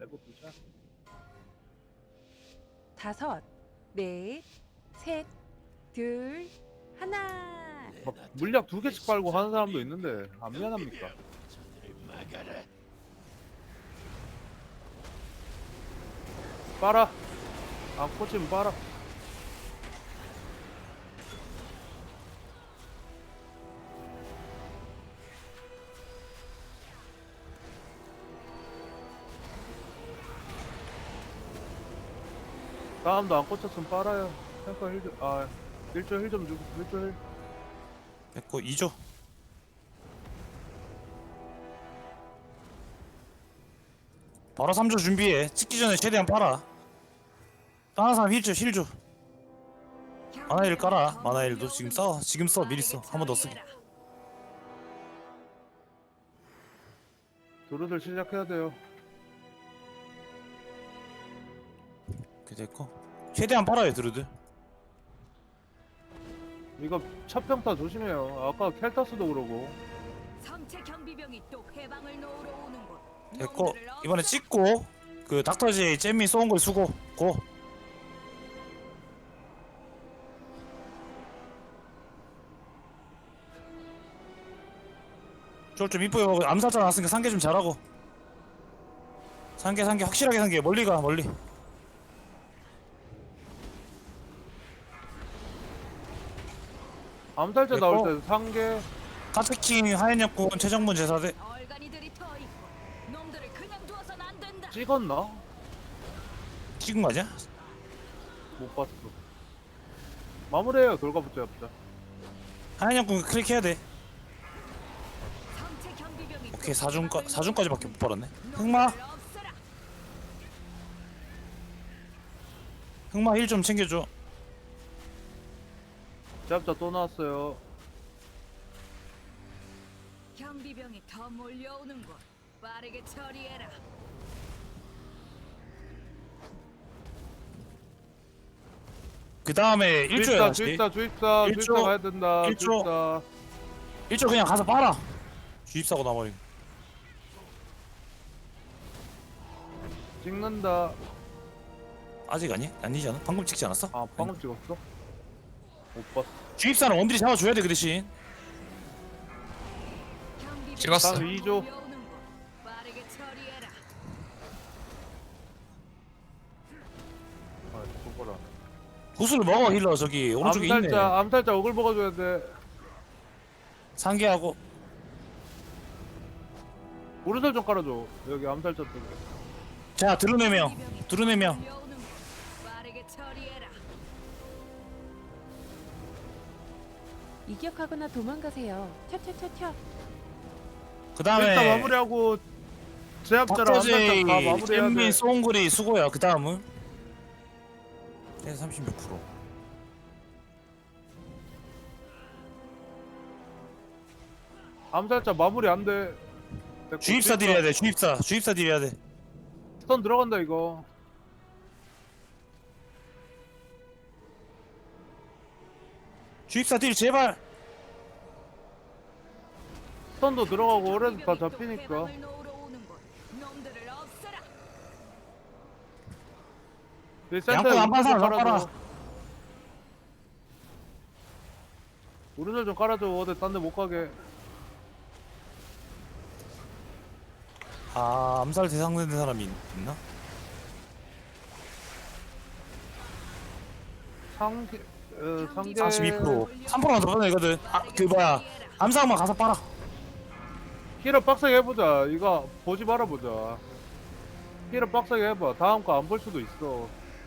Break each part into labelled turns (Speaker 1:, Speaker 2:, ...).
Speaker 1: 해보자.
Speaker 2: 5, 4, 3, 2, 1.
Speaker 1: 막 물약 2개씩 빨고 하는 사람도 있는데 안 미안합니까? 빨아. 안 꽂히면 빨아. 다음도 안 꽂혔으면 빨아요. 탱커 힐 좀, 1조 힐 좀 주고, 1조 힐.
Speaker 3: 됐고 2조. 바로 3조 준비해. 찍기 전에 최대한 팔아. 다른 사람 힐 줘. 만화일 깔아. 만화일도 지금 써. 지금 써. 미리 써. 한 번 더 쓰기.
Speaker 1: 도르들 시작해야 돼요.
Speaker 3: 그게 됐고. 최대한 팔아요 드루드.
Speaker 1: 이거 첫 평타 조심해요. 아까 켈타스도 그러고.
Speaker 4: 성체 경비병이 또 해방을 놓으러 오는 곳.
Speaker 3: 됐고
Speaker 4: 놈들을
Speaker 3: 이번에
Speaker 4: 없애.
Speaker 3: 찍고 그 닥터지 잼미 쏘은 걸 수고 고. 좀 이뻐요. 암살자 나왔으니까 상계 좀 잘하고. 상계 확실하게 상계. 멀리 가 멀리.
Speaker 1: 암살자
Speaker 3: 됐고.
Speaker 1: 나올 때 상계.
Speaker 3: 카트킹 하얀역군 최정문 제사대.
Speaker 4: 얼간이들이 더 있고 놈들을 그냥 두어선 안 된다.
Speaker 1: 찍었나?
Speaker 3: 찍은 거 아니야?
Speaker 1: 못 봤어. 마무리해요. 돌가붙자 yap자.
Speaker 3: 하얀역군 클릭해야 돼.
Speaker 4: 성체 경비병이
Speaker 3: 오케이
Speaker 4: 또 해방을
Speaker 3: 4중까지밖에 못 벌었네.
Speaker 4: 놈들을 없애라.
Speaker 3: 흑마 힐 좀 챙겨줘.
Speaker 1: yap자 또 나왔어요.
Speaker 4: 경비병이 더 몰려오는 곳. 빠르게 처리해라.
Speaker 3: 그 다음에 1조야.
Speaker 1: 주입사
Speaker 3: 일조.
Speaker 1: 가야 된다.
Speaker 3: 일조.
Speaker 1: 주입사.
Speaker 3: 1조 그냥 가서 빨아. 주입사고 나버리고.
Speaker 1: 찍는다.
Speaker 3: 아직 아니? 아니잖아. 방금 찍지 않았어?
Speaker 1: 아 방금 찍었어? 못 봤어.
Speaker 3: 주입사는 원딜이 잡아줘야 돼 그 대신.
Speaker 4: 경비병이
Speaker 5: 찍었어.
Speaker 4: 더
Speaker 1: 2조.
Speaker 4: 몰려오는 곳. 빠르게 처리해라.
Speaker 1: 아 저거라.
Speaker 3: 구슬을 먹어 힐러 저기 오른쪽에 있네.
Speaker 1: 암살자 어글 먹어줘야 돼.
Speaker 3: 상계하고.
Speaker 1: 오른손 좀 깔아줘. 여기 암살자 쪽에.
Speaker 3: 자 드루네명.
Speaker 4: 경비병이
Speaker 3: 드루네명.
Speaker 4: 몰려오는 곳. 빠르게 처리해라.
Speaker 2: 이격하거나 도망가세요. 튀어.
Speaker 3: 그 다음에
Speaker 1: 일단 마무리하고 제압자랑
Speaker 3: 박터지
Speaker 1: 암살자 다 마무리해야 돼.
Speaker 3: 잼미 송글이 수고야. 그 다음은 36%.
Speaker 1: 암살자 마무리 안 돼. 됐고,
Speaker 3: 주입사 딜해야 돼. 주입사 딜해야 돼.
Speaker 1: 스턴 들어간다 이거.
Speaker 3: 주입사 딜 제발.
Speaker 1: 스턴도 들어가고 오래도 다
Speaker 4: 경비병이 또
Speaker 1: 잡히니까.
Speaker 4: 해방을 놓으러 오는 곳. 놈들을 없애라.
Speaker 1: 이
Speaker 3: 양쪽
Speaker 1: 센터에
Speaker 3: 안 봐서
Speaker 1: 오른손
Speaker 3: 안 봐라.
Speaker 1: 깔아줘. 오른손 좀 깔아줘. 어디 딴 데 못 가게.
Speaker 3: 아 암살 대상된 사람이 있나?
Speaker 1: 상계
Speaker 3: 42%. 3%만 더 받아내거든. 그 뭐야 암살만 가서 빨아.
Speaker 1: 힐을 빡세게 해보자. 이거 보지 말아보자. 힐을 빡세게 해봐. 다음 거 안 볼 수도 있어.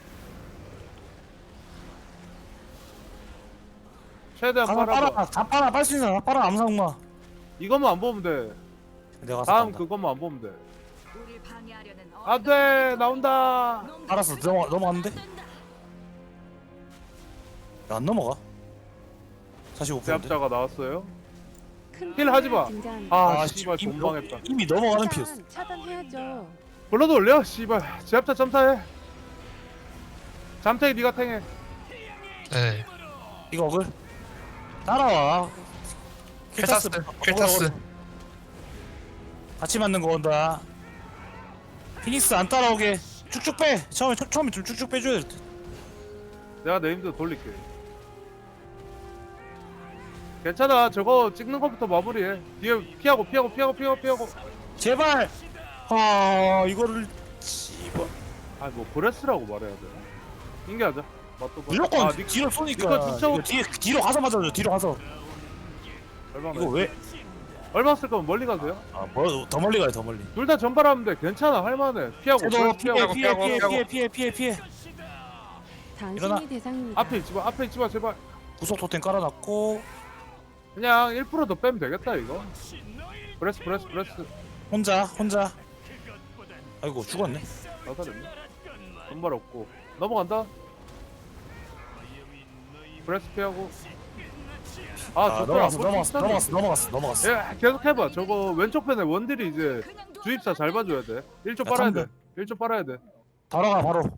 Speaker 1: 최대한
Speaker 3: 가서
Speaker 1: 빨아봐.
Speaker 3: 빨아. 다 빨아. 빨 수 있는 사람 다 빨아. 암살마.
Speaker 1: 이것만 안 보면 돼.
Speaker 3: 내가 가서
Speaker 1: 다음
Speaker 3: 빤다.
Speaker 1: 그것만 안 보면 돼.
Speaker 4: 우릴 방해하려는
Speaker 1: 안돼 나온다.
Speaker 4: 놈들을
Speaker 3: 알았어.
Speaker 4: 그냥
Speaker 3: 넘어갔는데?
Speaker 4: 두어선 안 된다.
Speaker 3: 야, 안 넘어가. 45%인데.
Speaker 1: 제압자가 나왔어요.
Speaker 2: 큰
Speaker 1: 힐 하지 마.
Speaker 2: 등장합니다.
Speaker 1: 아
Speaker 3: 지금
Speaker 1: 씨발 돈방했다.
Speaker 3: 이미 넘어가는 피였어.
Speaker 2: 차단해야죠.
Speaker 1: 불러도 올려. 씨발 제압자 점사해. 잠탱이 니가 탱해.
Speaker 5: 네.
Speaker 3: 이거 어글. 따라와.
Speaker 5: 켈타스.
Speaker 3: 같이 맞는 거 온다. 피닉스 안 따라오게 쭉쭉 빼. 처음에 좀 쭉쭉 빼줘야 될 듯.
Speaker 1: 내가 네임드 돌릴게. 괜찮아. 저거 찍는 것부터 마무리해. 뒤에 피하고.
Speaker 3: 제발. 아 이거를 씨발.
Speaker 1: 아 뭐 브레스라고 말해야 돼. 인계하자. 맞도
Speaker 3: 무조건
Speaker 1: 니
Speaker 3: 뒤로 쏘니까.
Speaker 1: 니꺼 쫓아오-
Speaker 3: 이거 뒤로 가서 맞아줘. 뒤로 가서.
Speaker 1: 얼마
Speaker 3: 이거 왜?
Speaker 1: 얼마 쓸 거면 멀리 가세요.
Speaker 3: 더 멀리 가요 더 멀리.
Speaker 1: 둘 다 전발하면 돼. 괜찮아. 할만해. 피하고.
Speaker 3: 쟤도
Speaker 1: 브레스 피하고.
Speaker 3: 피해.
Speaker 2: 당신이
Speaker 3: 일어나.
Speaker 2: 대상입니다.
Speaker 1: 앞에 있지 마 제발.
Speaker 3: 구속 토템 깔아놨고
Speaker 1: 그냥 1%더 빼면 되겠다 이거. 브레스.
Speaker 3: 혼자. 아이고 죽었네.
Speaker 1: 나사됐네. 전발 없고 넘어간다. 브레스 피하고.
Speaker 3: 아
Speaker 1: 좋더라.
Speaker 3: 넘어갔어.
Speaker 1: 예, 계속 해봐. 저거 왼쪽 편에 원딜이 이제 주입사 잘 봐줘야 돼. 1조
Speaker 3: 야,
Speaker 1: 빨아야 돼.
Speaker 3: 탐들.
Speaker 1: 1조 빨아야 돼.
Speaker 3: 바로 가 바로.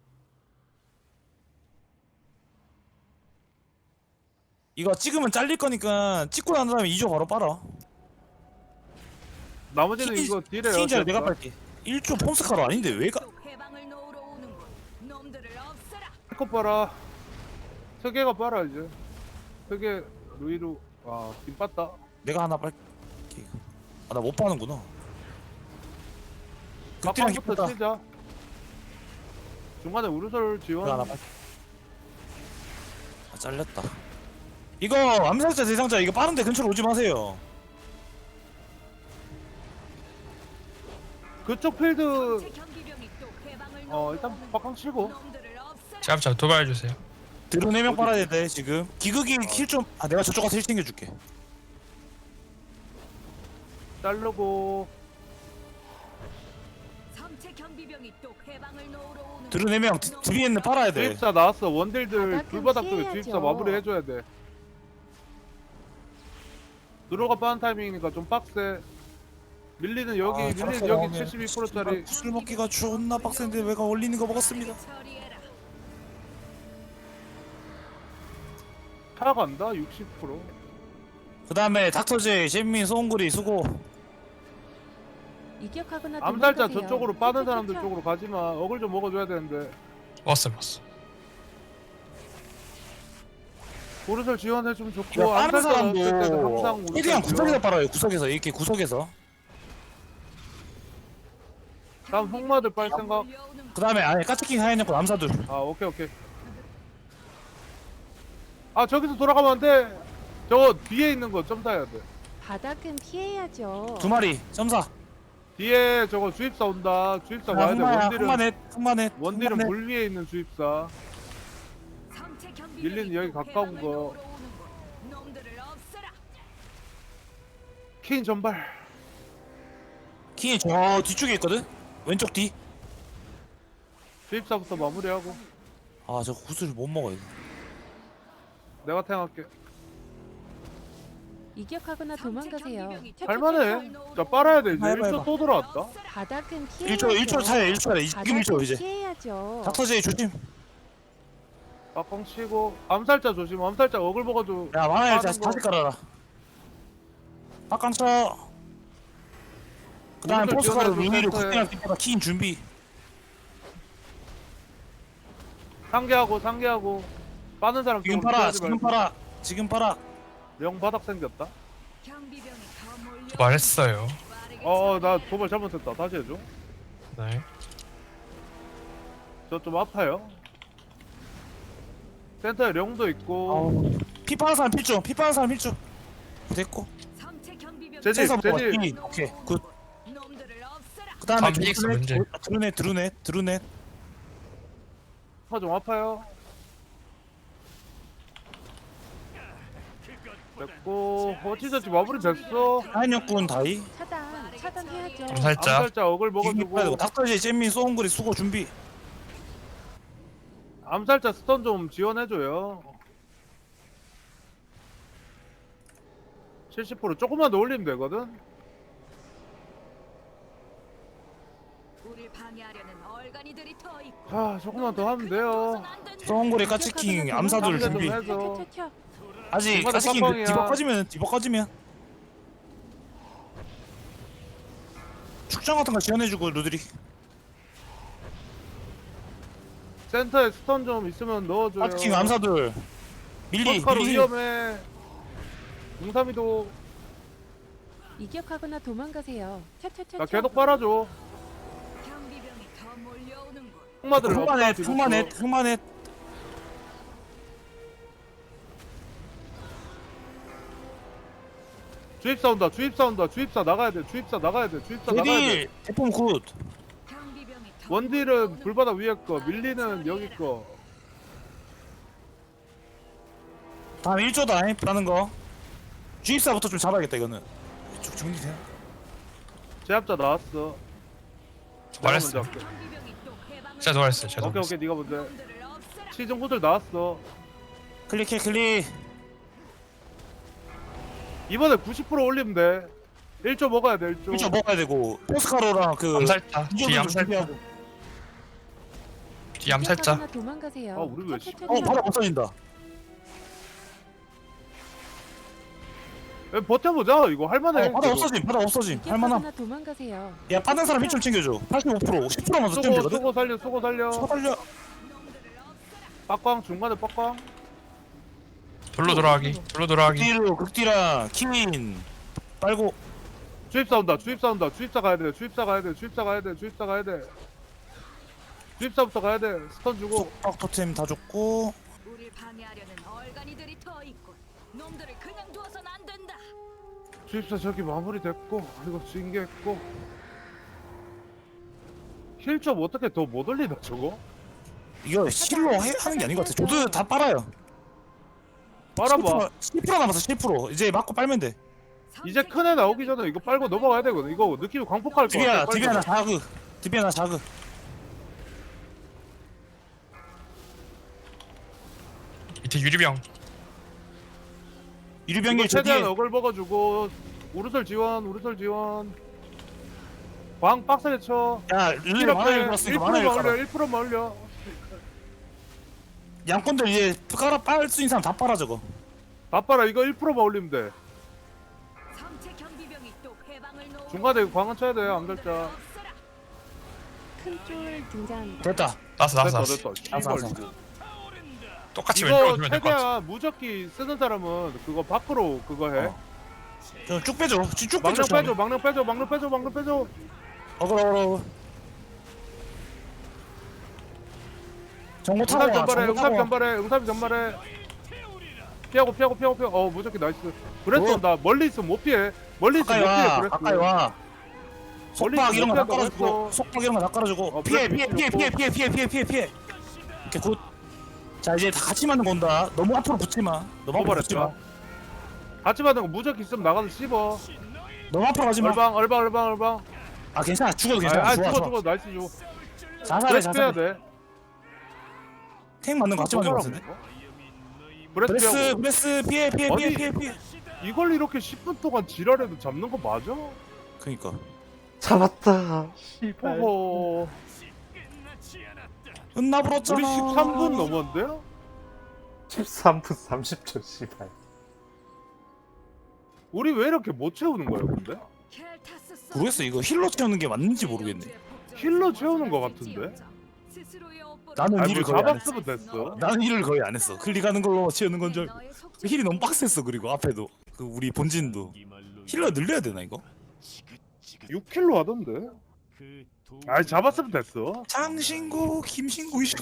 Speaker 3: 이거 찍으면 잘릴 거니까 찍고 난 다음에 2조 바로 빨아.
Speaker 1: 나머지는 이거 딜해요.
Speaker 3: 키인자를 내가 빨게. 1조 폼스카로 아닌데 왜 가?
Speaker 4: 또 해방을 놓으러 오는군. 놈들을 없애라.
Speaker 1: 컷 빨아. 세개가 빨아 이제. 세개 루이루. 김 빠다.
Speaker 3: 내가 하나 빨게. 아 나 못 빠는구나. 극딜한
Speaker 1: 막판부터
Speaker 3: 기쁘다.
Speaker 1: 치자. 중간에 우르솔 지원.
Speaker 3: 내가 하나 빨게. 아 잘렸다. 이거 암살자 대상자 이거 빠른데 근처로 오지 마세요.
Speaker 1: 그쪽 필드
Speaker 4: 제 경비병이 또 해방을
Speaker 1: 일단
Speaker 4: 놓으러
Speaker 1: 박강 치고.
Speaker 4: 놈들을 없애라.
Speaker 5: 잡자 도발해주세요.
Speaker 3: 드론 4명 빨아야 돼 지금. 기극이 킬 좀. 아 내가 저쪽 가서 힐 챙겨줄게.
Speaker 1: 자르고.
Speaker 4: 섬체 경비병이 또 해방을 놓으러 오는
Speaker 3: 드론 4명 뒤에는 빨아야 돼.
Speaker 1: 주입사 나왔어. 원딜들
Speaker 2: 바닥은
Speaker 1: 불바닥 쪽에
Speaker 2: 피해야죠.
Speaker 1: 주입사 마무리 해줘야 돼. 들어가 빠는 타이밍이니까 좀 빡세. 밀리는 여기, 밀리는 여기 72%짜리.
Speaker 3: 술 먹기가 존나 빡센데 왜가 올리는 거 먹었습니다.
Speaker 4: 처리해라.
Speaker 1: 타간다 60%.
Speaker 3: 그 다음에 닥터제, 잼민, 소홍구리 수고.
Speaker 2: 이격하거나
Speaker 1: 암살자
Speaker 2: 도망가세요.
Speaker 1: 저쪽으로 빠는 사람들
Speaker 2: 튀어.
Speaker 1: 쪽으로 가지마. 어글 좀 먹어줘야 되는데.
Speaker 5: 왔어.
Speaker 1: 보르설 지원해주면 좋고.
Speaker 3: 야, 빠른
Speaker 1: 암살자 나왔을 때는
Speaker 3: 사람도
Speaker 1: 항상 우르솔
Speaker 3: 최대한
Speaker 1: 지원.
Speaker 3: 구석에서 빨아요. 구석에서 이렇게 구석에서.
Speaker 1: 다음 흑마들 빨 생각.
Speaker 3: 그 다음에 아니 까치킹 하얀약고 암사들.
Speaker 1: 오케이. 저기서 돌아가면 안 돼. 저거 뒤에 있는 거 점 타야 돼.
Speaker 2: 바닥은 피해야죠.
Speaker 3: 2마리 점사.
Speaker 1: 뒤에 저거 주입사 온다. 주입사 와야 돼.
Speaker 3: 흑마넷.
Speaker 1: 원딜은 물 위에 있는 주입사.
Speaker 4: 섬체 경비병이
Speaker 1: 밀리는 여기
Speaker 4: 또
Speaker 1: 가까운
Speaker 4: 해방을
Speaker 1: 거.
Speaker 4: 놓으러 오는군. 놈들을 없애라.
Speaker 1: 케인 전발.
Speaker 3: 킹이 저 뒤쪽에 있거든. 왼쪽 뒤.
Speaker 1: 주입사부터 마무리하고.
Speaker 3: 저 구슬을 못 먹어요.
Speaker 1: 내가 탱할게.
Speaker 2: 이격하거나 도망가세요.
Speaker 1: 할만해. 자 빨아야 돼 이제.
Speaker 3: 해봐.
Speaker 1: 1초 또 들어왔다.
Speaker 2: 바닥은 피해야죠.
Speaker 3: 1초 차야 1초 차야. 지금 1초
Speaker 2: 바닥은
Speaker 3: 이제.
Speaker 2: 피해야죠.
Speaker 3: 닥터제 조심.
Speaker 1: 막공 치고. 암살자 조심. 암살자 어글 먹어줘.
Speaker 3: 야 만화일
Speaker 1: 빠른
Speaker 3: 다시
Speaker 1: 거.
Speaker 3: 깔아라. 박강 쳐. 그 다음에
Speaker 1: 오른쪽
Speaker 3: 포스카로
Speaker 1: 지원해줘,
Speaker 3: 루니를
Speaker 1: 센터에.
Speaker 3: 국대랑 띠다가 킹 준비.
Speaker 1: 상계하고. 빠는 사람
Speaker 3: 지금
Speaker 1: 쪽으로
Speaker 3: 팔아.
Speaker 1: 피하지 말고.
Speaker 3: 지금 팔아.
Speaker 1: 명 바닥 생겼다.
Speaker 4: 경비병이 더 몰려.
Speaker 5: 도발했어요.
Speaker 1: 나 도발 잘못했다. 다시 해줘.
Speaker 5: 네.
Speaker 1: 저 좀 아파요. 센터에 령도 있고.
Speaker 3: 피 빠는 사람 필중. 됐고.
Speaker 4: 섬체 경비병이
Speaker 1: 제지.
Speaker 3: 센서 먹어. 오케이. 굿.
Speaker 4: 놈들을 없애라.
Speaker 3: 그 다음에
Speaker 5: 다음 피닉스 문제.
Speaker 3: 드루넷.
Speaker 1: 좀 아파요. 됐고. 어찌저찌 마무리 됐어.
Speaker 3: 하얀역군 다이.
Speaker 2: 차단해야죠.
Speaker 5: 암살자.
Speaker 1: 암살자 어글
Speaker 3: 이거 빼야 되고.
Speaker 1: 먹어주고.
Speaker 3: 닥터제, 잼민, 소홍구리 수고 준비.
Speaker 1: 암살자 스턴 좀 지원해줘요. 70% 조금만 더 올리면 되거든.
Speaker 4: 우릴 방해하려는 얼간이들이 더 있고.
Speaker 1: 조금만 더 하면 돼요.
Speaker 3: 소홍구리 까치킹 암사들
Speaker 1: 상대 좀
Speaker 3: 준비.
Speaker 1: 해줘.
Speaker 3: 아직
Speaker 1: 중간에
Speaker 3: 까치킹
Speaker 1: 깜빵이야.
Speaker 3: 뒤버 꺼지면 축장 같은 거 지원해주고 루드리.
Speaker 1: 센터에 스턴 좀 있으면 넣어줘요.
Speaker 3: 파킹 암사들 밀리
Speaker 1: 버스카로
Speaker 3: 밀리.
Speaker 1: 위험해. 03이도
Speaker 2: 이격하거나 도망가세요.
Speaker 1: 나
Speaker 2: 차차차차.
Speaker 1: 계속 빨아줘.
Speaker 4: 경비병이 더 몰려오는군.
Speaker 1: 흑마들
Speaker 3: 흑마넷 흑마넷 흑마넷.
Speaker 1: 주입사 온다. 주입사 온다. 주입사 나가야 돼. 주입사 나가야 돼. 주입사 나가야 돼.
Speaker 3: 제딜 대폼 굿.
Speaker 4: 경비병이 더
Speaker 1: 원딜은
Speaker 4: 몰려오는군.
Speaker 1: 불바다 위에 거, 밀리는 여기 거.
Speaker 3: 다음 1조다 라는 거. 주입사부터 좀 잡아야겠다 이거는. 쭉 정리돼.
Speaker 1: 제압자 나왔어.
Speaker 5: 말했어.
Speaker 1: 내가 먼저 할게.
Speaker 4: 경비병이 또 해방을
Speaker 5: 제가 도와했어요. 제가
Speaker 1: 오케이
Speaker 5: 도와했어요.
Speaker 1: 오케이 네가 먼저. 해.
Speaker 4: 놈들을 없애라.
Speaker 1: 시즌 호들 나왔어.
Speaker 3: 클릭해 클릭.
Speaker 1: 이번에 90% 올리면 돼. 1조 먹어야 돼. 1조.
Speaker 3: 1조 먹어야 되고 포스카로랑 그
Speaker 5: 암살자. 뒤
Speaker 3: 이조도
Speaker 5: 암살자.
Speaker 3: 준비하고.
Speaker 5: 뒤 암살자.
Speaker 2: 이격하거나 도망가세요.
Speaker 1: 아, 우리 왜
Speaker 2: 차차차차.
Speaker 3: 바로 없어진다.
Speaker 1: 야, 버텨보자. 이거 할만해.
Speaker 3: 바로 없어짐 바로 없어짐. 할만함.
Speaker 2: 이격하거나 도망가세요.
Speaker 3: 야 빠른 사람 1좀 챙겨줘. 85% 10%만 더 뛰면 되거든.
Speaker 1: 수고 살려. 수고 살려.
Speaker 3: 쳐달려.
Speaker 1: 빡광 중간에 빡광.
Speaker 5: 돌로 돌아가기. 돌로 돌아가기.
Speaker 3: 극딜로 극딜랑 킹인 빨고.
Speaker 1: 주입사 온다. 주입사 온다. 주입사 가야 돼. 주입사 가야 돼. 주입사 가야 돼. 주입사 가야 돼. 주입사부터 가야 돼. 스턴 주고.
Speaker 3: 속박 토템 다 줬고.
Speaker 4: 우릴 방해하려는 얼간이들이 더 있군. 놈들을 그냥 두어선 안 된다.
Speaker 1: 주입사 저기 마무리됐고 이거 징계했고 힐점 어떻게 더 못 올리나 저거?
Speaker 3: 이거 힐로 하는 게 아닌 것 같아. 조드 다 빨아요.
Speaker 1: 빨아봐.
Speaker 3: 10% 남았어 10%. 이제 맞고 빨면 돼.
Speaker 1: 이제 큰 애 나오기 전에 이거 빨고 넘어가야 되거든. 이거 느낌이 광폭할 거
Speaker 3: 드비야
Speaker 1: 같아.
Speaker 3: 드비 하나 자그. 드비 하나 자그.
Speaker 5: 밑에 유리병.
Speaker 3: 유리병이
Speaker 1: 이거
Speaker 3: 저
Speaker 1: 최대한
Speaker 3: 뒤에.
Speaker 1: 어글 먹어주고 우르솔 지원 우르솔 지원 광 빡세게 쳐.
Speaker 3: 야 릴레이 만화 읽었으니까 만화
Speaker 1: 1%만
Speaker 3: 읽어라.
Speaker 1: 올려 1%만 올려.
Speaker 3: 양꾼들 이제 깔아 빨 수 있는 사람 다 빨아 저거.
Speaker 1: 다 빨아. 이거 1%만 올리면 돼.
Speaker 4: 성체 경비병이 또 해방을 놓으.
Speaker 1: 중간에 이거 광은 쳐야 돼. 암살자.
Speaker 2: 큰쫄 등장합니다.
Speaker 3: 됐다.
Speaker 5: 나왔어
Speaker 1: 됐다
Speaker 5: 나왔어.
Speaker 1: 됐다.
Speaker 3: 알았어,
Speaker 1: 씨발,
Speaker 3: 알았어.
Speaker 1: 이거.
Speaker 5: 똑같이 왼쪽으로
Speaker 1: 이거
Speaker 5: 두면 될 것 같아.
Speaker 1: 최대한 무적기 쓰는 사람은 그거 밖으로 그거 해.
Speaker 3: 쭉 빼줘. 쭉
Speaker 1: 망령
Speaker 3: 빼줘.
Speaker 1: 빼줘, 망령 빼줘, 망령 빼줘, 망령 빼줘.
Speaker 3: 어그로. 정보 타고
Speaker 1: 응답
Speaker 3: 와.
Speaker 1: 전발해,
Speaker 3: 정보
Speaker 1: 응답
Speaker 3: 타고 와.
Speaker 1: 전발해, 응답 전발해. 피하고, 피하고, 피하고, 피하고. 무적기 나이스. 브레스
Speaker 3: 뭐?
Speaker 1: 온다. 멀리 있으면 못 피해. 멀리 있으면
Speaker 3: 가까이
Speaker 1: 못 피해.
Speaker 3: 와.
Speaker 1: 브레스.
Speaker 3: 가까이 와. 속박 이런 거 다
Speaker 1: 멀리
Speaker 3: 깔아주고.
Speaker 1: 있으면
Speaker 3: 속박 이런 거 다 깔아주고.
Speaker 1: 어,
Speaker 3: 피해
Speaker 1: 브레스
Speaker 3: 피해 피해
Speaker 1: 좋고.
Speaker 3: 피해 피해 피해 피해 피해 피해. 오케이 굿. 자 이제 다 같이 맞는 건다. 너무 앞으로 붙지 마. 너무 앞으로 붙지 마.
Speaker 1: 도발했다. 같이 받은 거 무적기 있으면 나가서 씹어.
Speaker 3: 너무 앞으로 가지 마.
Speaker 1: 얼방, 얼방, 얼방, 얼방.
Speaker 3: 아 괜찮아. 죽어도 괜찮아.
Speaker 1: 아,
Speaker 3: 좋아
Speaker 1: 죽어,
Speaker 3: 좋아.
Speaker 1: 죽어. 나이스 줘.
Speaker 3: 자살해
Speaker 1: 브레스 빼야
Speaker 3: 자살.
Speaker 1: 돼.
Speaker 3: 탱 맞는 거 같이 맞는 거 같은데.
Speaker 1: 브레스
Speaker 3: 브레스
Speaker 1: 빼고.
Speaker 3: 브레스 피해 피해 피해
Speaker 1: 아니.
Speaker 3: 피해 피해.
Speaker 1: 이걸 이렇게 10분 동안 지랄해도 잡는 거 맞아?
Speaker 3: 그니까.
Speaker 6: 잡았다. 씨발.
Speaker 1: 호호.
Speaker 3: 은나불었잖아.
Speaker 1: 우리 13분 넘었는데요?
Speaker 6: 13분 30초 씨발.
Speaker 1: 우리 왜 이렇게 못 채우는 거야, 근데?
Speaker 3: 모르겠어 이거 힐러 채우는 게 맞는지 모르겠네.
Speaker 1: 힐러 채우는 거 같은데?
Speaker 3: 나는
Speaker 1: 아니,
Speaker 3: 일을
Speaker 1: 뭐
Speaker 3: 거의 안 했어.
Speaker 1: 잡았으면 됐어.
Speaker 3: 나는 일을 거의 안 했어. 클릭하는 걸로 채우는 건 줄. 힐이 너무 빡셌어. 그리고 앞에도 그 우리 본진도 힐러 늘려야 되나 이거?
Speaker 1: 6킬로 하던데? 아이, 잡았으면 됐어.
Speaker 3: 장신구 김신구 이신